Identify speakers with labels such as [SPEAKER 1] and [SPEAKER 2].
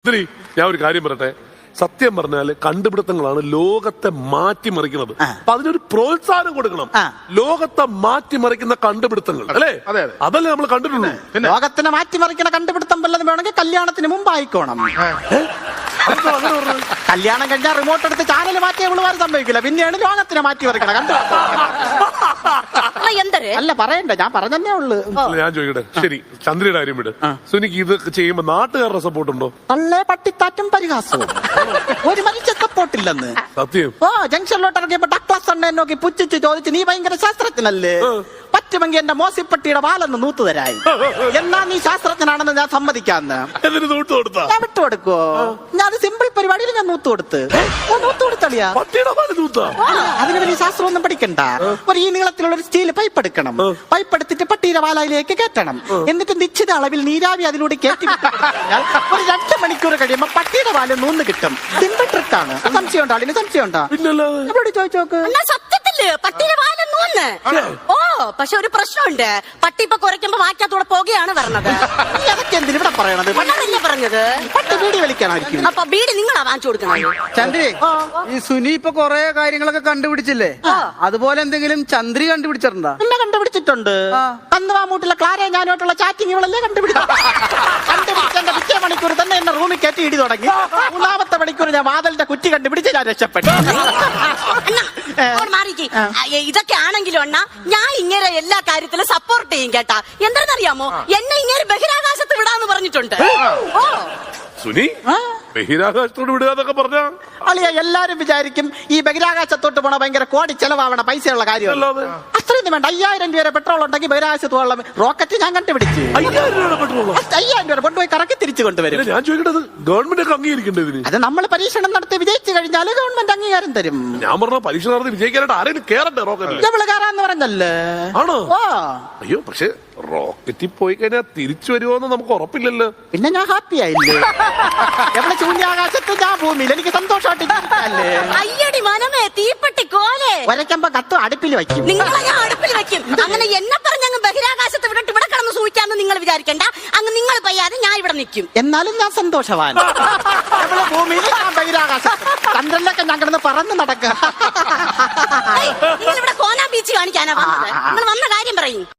[SPEAKER 1] ഞാൻ ഒരു കാര്യം പറയട്ടെ, സത്യം പറഞ്ഞാല് കണ്ടുപിടുത്തങ്ങളാണ് ലോകത്തെ മാറ്റിമറിക്കുന്നത്. അപ്പൊ അതിനൊരു പ്രോത്സാഹനം കൊടുക്കണം. ലോകത്തെ മാറ്റിമറിക്കുന്ന കണ്ടുപിടുത്തങ്ങൾ അല്ലേ, അതല്ലേ നമ്മൾ കണ്ടിട്ടുള്ളൂ.
[SPEAKER 2] ലോകത്തിനെ മാറ്റിമറിക്കുന്ന കണ്ടുപിടുത്തം വല്ലതും വേണമെങ്കിൽ കല്യാണത്തിന് മുമ്പ് ആയിക്കോണം. കല്യാണം കഴിഞ്ഞാൽ റിമോട്ട് എടുത്ത് ചാനൽ മാറ്റിയ പിള്ളേർ സംഭവിക്കില്ല. പിന്നെയാണ് ലോകത്തിനെ മാറ്റിമറിക്കണം അല്ല പറയണ്ട, ഞാൻ പറഞ്ഞതന്നെ ഉള്ളു.
[SPEAKER 1] ഞാൻ ചോദിക്കട്ടെ, ശരി ചന്ദ്രയുടെ കാര്യം വിട്. സുനിക്ക് ഇത് ചെയ്യുമ്പോ നാട്ടുകാരുടെ സപ്പോർട്ട് ഉണ്ടോ?
[SPEAKER 2] തള്ളേ പട്ടിത്താറ്റും പരിഹാസവും. ഒരു മനുഷ്യ സപ്പോർട്ടില്ലെന്ന്.
[SPEAKER 1] സത്യം.
[SPEAKER 2] ഓ ജംഗ്ഷനിലോട്ട് ഇറങ്ങിയപ്പോ ഡക്ലാസ് അണ്ണനെ നോക്കി പുച്ഛിച്ച് ചോദിച്ചു, നീ ഭയങ്കര ശാസ്ത്രജ്ഞനല്ലേ, പറ്റുമെങ്കിൽ എന്റെ മോസിപ്പട്ടിയുടെ വാലൊന്ന് നൂത്തു തരായി. എന്നാ നീ ശാസ്ത്രജ്ഞനാണെന്ന് ഞാൻ സമ്മതിക്കാന്ന്. ഞാൻ വിട്ടുകൊടുക്കോ? ഞാൻ സിമ്പിൾ പരിപാടിയിൽ ഞാൻ നൂത്തു കൊടുത്ത് കൊടുത്തളിയാ. അതിന് വലിയ ശാസ്ത്രമൊന്നും പഠിക്കണ്ട. ഒരു ഈ നീളത്തിലുള്ള ഒരു സ്റ്റീൽ പൈപ്പ് എടുക്കണം. പൈപ്പ് എടുത്തിട്ട് പട്ടിയുടെ വാലയിലേക്ക് കയറ്റണം. എന്നിട്ട് നിശ്ചിത അളവിൽ നീരാവി അതിലൂടെ കയറ്റി ഒരു 2 മണിക്കൂർ കഴിയുമ്പോ പട്ടിയുടെ വാല് നൂന്ന് കിട്ടും. സിമ്പിൾ ട്രിക്കാണ്. സംശയം ഉണ്ടോ? അതിന് സംശയം ഉണ്ടോ? എവിടെ ചോദിച്ചു നോക്ക്.
[SPEAKER 3] സത്യത്തില് പട്ടിയുടെ വാല് നൂന്ന്. ഓ പക്ഷെ ഒരു പ്രശ്നമുണ്ട്, പട്ടി ഇപ്പൊ കുറയ്ക്കുമ്പോ വാക്കത്തൂടെ പോകുകയാണ് പറഞ്ഞത്.
[SPEAKER 2] അതൊക്കെ എന്തിനാ ഇവിടെ പറയണത്?
[SPEAKER 3] പണ്ടല്ലേ പറഞ്ഞത്
[SPEAKER 2] പട്ടി ബീഡി വലിക്കാനായിരിക്കും.
[SPEAKER 3] അപ്പൊ ബീഡി നിങ്ങളാ വാങ്ങിച്ചു കൊടുക്കുന്നത്.
[SPEAKER 4] ചന്ദ്രി, ഈ സുനി ഇപ്പൊ കൊറേ കാര്യങ്ങളൊക്കെ കണ്ടുപിടിച്ചില്ലേ, അതുപോലെ എന്തെങ്കിലും ചന്ദ്രി കണ്ടുപിടിച്ചിട്ടുണ്ടോ?
[SPEAKER 2] എന്നെ കണ്ടുപിടിച്ചിട്ടുണ്ട്. കന്നുവാമൂട്ടിലെ ക്ലാരയെ ഞാനോട്ടുള്ള ചാറ്റിംഗ് ഇവളല്ലേ കണ്ടുപിടിച്ചെന്റെ പിറ്റേ മണിക്കൂർ തന്നെ എന്നെ റൂമിൽ കയറ്റി ഇടി തുടങ്ങി. 3ാമത്തെ മണിക്കൂർ ഞാൻ വാതിലിന്റെ കുറ്റി കണ്ടുപിടിച്ച് ഞാൻ രക്ഷപ്പെട്ടു.
[SPEAKER 3] ഇതൊക്കെ ആണെങ്കിലും അണ്ണാ, ഞാൻ ഇങ്ങനെ എല്ലാ കാര്യത്തിലും സപ്പോർട്ട് ചെയ്യും കേട്ടാ. എന്താണെന്നറിയാമോ, എന്നെ ഇങ്ങനെ ബഹിരാകാശത്ത് വിടാന്ന് പറഞ്ഞിട്ടുണ്ട്. ഓ
[SPEAKER 1] സുനി, ബഹിരാകാശത്തോട് വിടുക പറഞ്ഞ
[SPEAKER 2] അളിയ എല്ലാരും വിചാരിക്കും ഈ ബഹിരാകാശത്തോട്ട് പോണ ഭയങ്കര കോടി ചെലവാവണ പൈസയുള്ള കാര്യം. അത്രയൊന്നും വേണ്ട. 5000 രൂപ പെട്രോൾ ഉണ്ടെങ്കിൽ ബഹിരാകാശത്ത് പോകാനുള്ള റോക്കറ്റ് ഞാൻ കണ്ടുപിടിച്ചു. 5000 രൂപ കൊണ്ടുപോയി കറക്കി തിരിച്ചു കൊണ്ടുവരും.
[SPEAKER 1] ഞാൻ ചോദിക്കേണ്ടത് ഗവൺമെന്റ് ഒക്കെ അംഗീകരിക്കേണ്ടത്.
[SPEAKER 2] അത് നമ്മൾ പരീക്ഷണം നടത്തി വിജയിച്ചു കഴിഞ്ഞാൽ ഗവൺമെന്റ് അംഗീകാരം തരും.
[SPEAKER 1] ഞാൻ പറഞ്ഞ പരീക്ഷ നടത്തി വിജയിക്കാനായിട്ട് ആരെങ്കിലും കേറട്ടെ റോക്കറ്റ്.
[SPEAKER 2] നമ്മള് കയറാന്ന് പറഞ്ഞല്ലേ.
[SPEAKER 1] ആണോ? അയ്യോ, പക്ഷെ റോക്കറ്റിൽ പോയി കഴിഞ്ഞാൽ തിരിച്ചു വരുമോന്ന് നമുക്ക് ഉറപ്പില്ലല്ലോ.
[SPEAKER 2] പിന്നെ ഞാൻ ഹാപ്പി ആയില്ലേ. എവിടെ ശൂന്യാകാശത്ത് ഞാൻ ഭൂമിയിൽ എനിക്ക് സന്തോഷമായിട്ട്.
[SPEAKER 3] അയ്യടി മനമേ, തീപ്പെട്ടി കോലെ
[SPEAKER 2] വരയ്ക്കുമ്പോ കത്ത് അടുപ്പിൽ വയ്ക്കും.
[SPEAKER 3] നിങ്ങളെ ഞാൻ അടുപ്പിൽ വെക്കും. അങ്ങനെ എന്നെ പറഞ്ഞങ്ങ് ബഹിരാകാശത്ത് വിടട്ട് ഇവിടെ കിടന്ന് സൂഹിക്കാന്ന് നിങ്ങൾ വിചാരിക്കണ്ട. അങ്ങ് നിങ്ങൾ പയ്യാതെ ഞാൻ ഇവിടെ നിൽക്കും.
[SPEAKER 2] എന്നാലും ഞാൻ സന്തോഷവാൻ. ഭൂമിയിൽ ഞാൻ ബഹിരാകാശം ചന്ദ്രനിലൊക്കെ ഞാൻ കിടന്ന് പറന്ന് നടക്കുക.
[SPEAKER 3] നിങ്ങൾ ഇവിടെ കോനാ ബീച്ച് കാണിക്കാനാ വന്നത്. നിങ്ങൾ വന്ന കാര്യം പറയും.